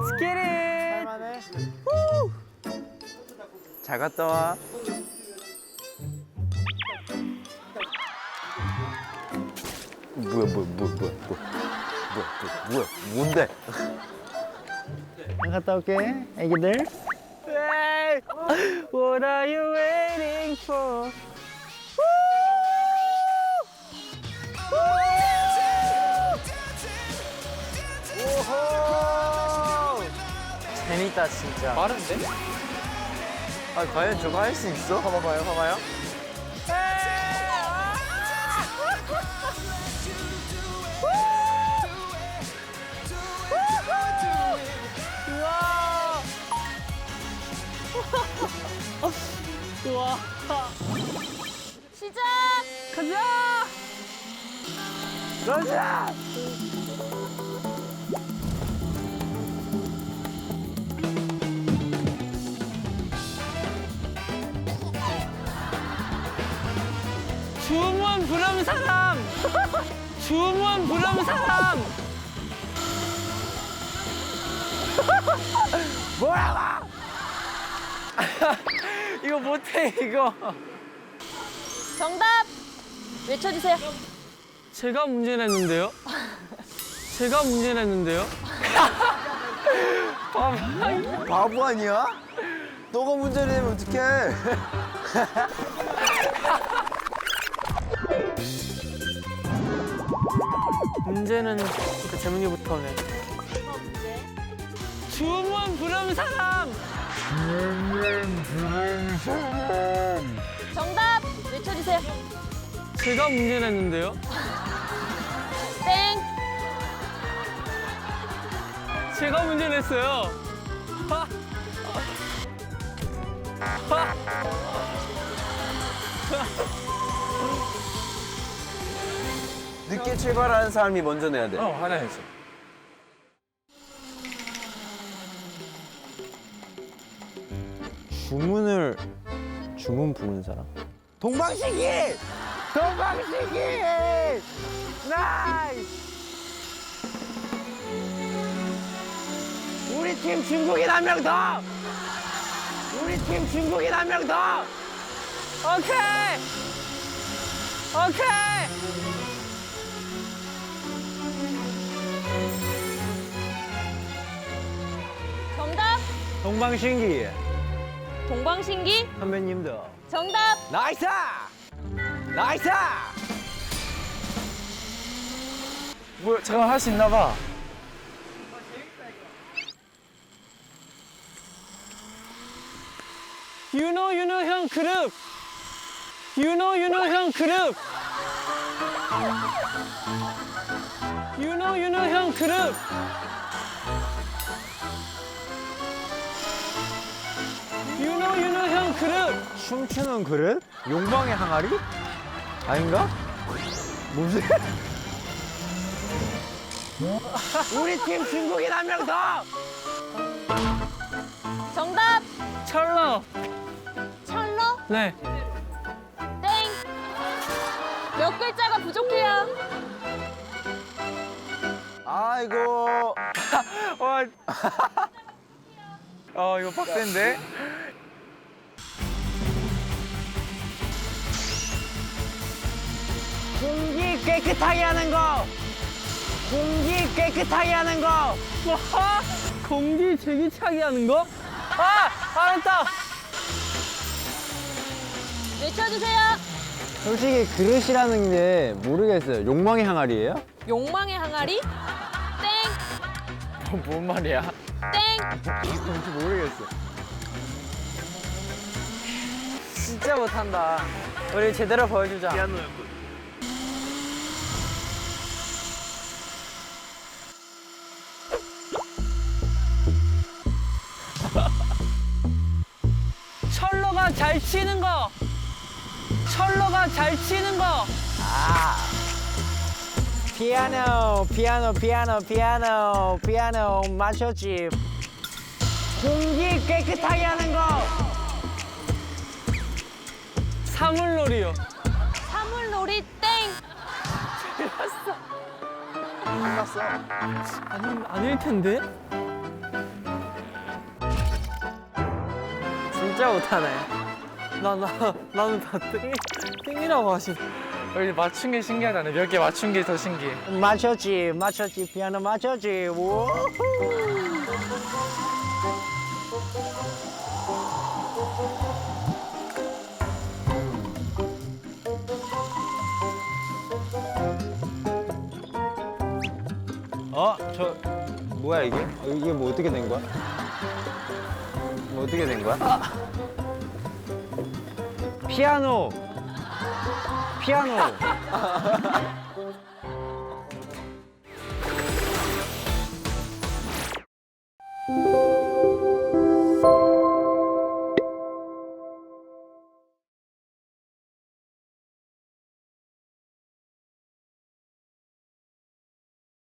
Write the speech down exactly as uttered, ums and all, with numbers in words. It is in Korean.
Let's get it. 할만해. 잘 갔다 와. 뭐야 뭐야 뭐야 뭐야 뭐야 뭐야 뭐야 뭔데? 잘 갔다 올게, 애기들. Hey, what are you waiting for? 재밌다 진짜. 빠른데? 아 과연 저거 할 수 있어? 봐봐봐요 봐봐요. 우와. 시작! 가자. 가자. 주문 부름 사람. 주문 부름 사람. 뭐라고? 이거 못해 이거. 정답! 외쳐주세요. 제가 문제 냈는데요. 제가 문제 냈는데요. 바보 아니야? 너가 문제 내면 어떡해? 문제는 그 재민이부터네. 주문 부름 사람. 정답! 외쳐주세요. 제가 문제 냈는데요. 땡! 제가 문제 냈어요. 하. 하. 늦게 출발하는 사람이 먼저 내야 돼. 어, 하나 했어. 주문을 주문 부르는 사람? 동방신기! 동방신기! 나이스! 우리 팀 중국인 한 명 더! 우리 팀 중국인 한 명 더! 오케이. 오케이. 정답! 동방신기 동방신기? 선배님도 정답! 나이스! 나이스! 뭐 잠깐 할 수 있나 봐. 윤호 윤호 형 그룹. 윤호 윤호 형 그룹. 윤호 윤호 형 그룹. 윤호 윤호 형 그룹. 춤추는 그릇? 욕망의 항아리? 아닌가? 뭐지? 우리 팀 중국인 한 명 더! 정답! 철러. 철로? 네. 땡! 몇 글자가 부족해요. 아이고. 와. 어 이거 빡센데? 공기 깨끗하게 하는 거! 공기 깨끗하게 하는 거! 뭐? 공기 제기차게 하는 거? 아! 알았다! 외쳐주세요. 솔직히 그릇이라는 게 모르겠어요. 욕망의 항아리예요? 욕망의 항아리? 땡! 뭔 말이야? 땡! 뭔지 모르겠어. 진짜 못한다. 우리 제대로 보여주자. 철로가 잘 치는 거. 철로가 잘 치는 거. 피아노, 피아노, 피아노, 피아노, 피아노 마셔집. 공기 깨끗하게 하는 거. 사물놀이요. 사물놀이 땡! 끝났어. 아니, 아닐 텐데? 진짜 못하네. 나, 나, 나는 다 땡, 땡이라고 하시. 여기 맞춘 게 신기하잖아. 몇 개 맞춘 게 더 신기해. 맞췄지, 맞췄지, 피아노 맞췄지. 우. 어, 저 뭐야 이게? 어, 이게 뭐 어떻게 된 거야? 뭐 어떻게 된 거야? 피아노. 피아노.